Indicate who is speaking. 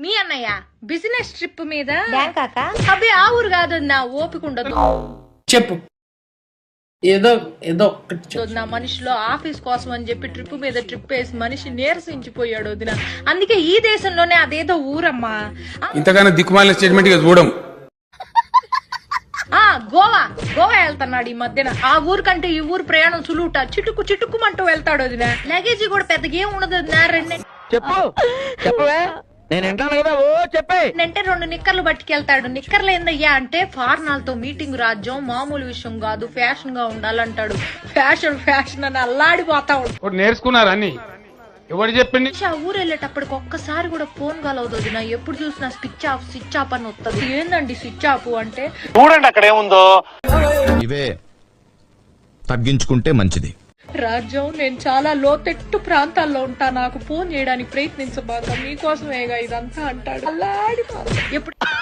Speaker 1: మీ అన్నయ్య business trip మీద
Speaker 2: బ్యాంకాక
Speaker 1: అబ్బే ఆ ఊరు కాదు నా ఓపిక ఉండదు
Speaker 3: చెప్పు ఏదో ఏదో ఒక్కటి చెప్పు.
Speaker 1: నా మనిషిలో ఆఫీస్ కోసం అని చెప్పి ట్రిప్ మీద ట్రిప్ వేసి మనిషి నీరసించిపోయాడు వదిన. అందుకే ఈ దేశంలోనే అదేదో ఊరమ్మా
Speaker 4: ఇంతగానో దిక్కుమాలిన స్టేట్మెంట్ గా చూడం.
Speaker 1: గోవా గోవా వెళ్తున్నాడు ఈ మధ్యన. ఆ ఊరు కంటే ఈ ఊరు ప్రయాణం సులువుట. చిటుక్కు చిటుక్కుమంటూ వెళ్తాడు వదిన. లగేజీ కూడా పెద్దగా ఏం ఉండదు వదిన.
Speaker 5: చెప్పు చెప్పవే నేను వింటాను కదా. ఓ చెప్పే
Speaker 1: అంటే 2 నిక్కర్లు పట్టుకెళ్తాడు. నిక్కర్లు ఏందయ్యా అంటే ఫార్నాలతో మీటింగ్ రాజ్యం మామూలు విషయం కాదు, ఫ్యాషన్ గా ఉండాలంటాడు. ఫ్యాషన్ ఫ్యాషన్ అని అల్లాడిపోతా ఉంటాడు.
Speaker 4: నేర్చుకున్నారు అన్ని ఎవరు చెప్పింది?
Speaker 1: ఆ ఊరు వెళ్ళేటప్పటికి ఒక్కసారి కూడా ఫోన్ కలవదు నా. ఎప్పుడు చూసినా స్విచ్ ఆఫ్ అని వస్తుంది. ఏందండి స్విచ్ ఆఫ్ అంటే?
Speaker 6: చూడండి అక్కడ ఏముందో.
Speaker 7: ఇవే తగ్గించుకుంటే మంచిది.
Speaker 1: రాజ్యం నేను చాలా లోతెట్టు ప్రాంతాల్లో ఉంటా, నాకు ఫోన్ చేయడానికి ప్రయత్నించబాక, మీకోసమేగా ఇదంతా అంటాడు. అల్లాడిపోతా. ఎప్పుడు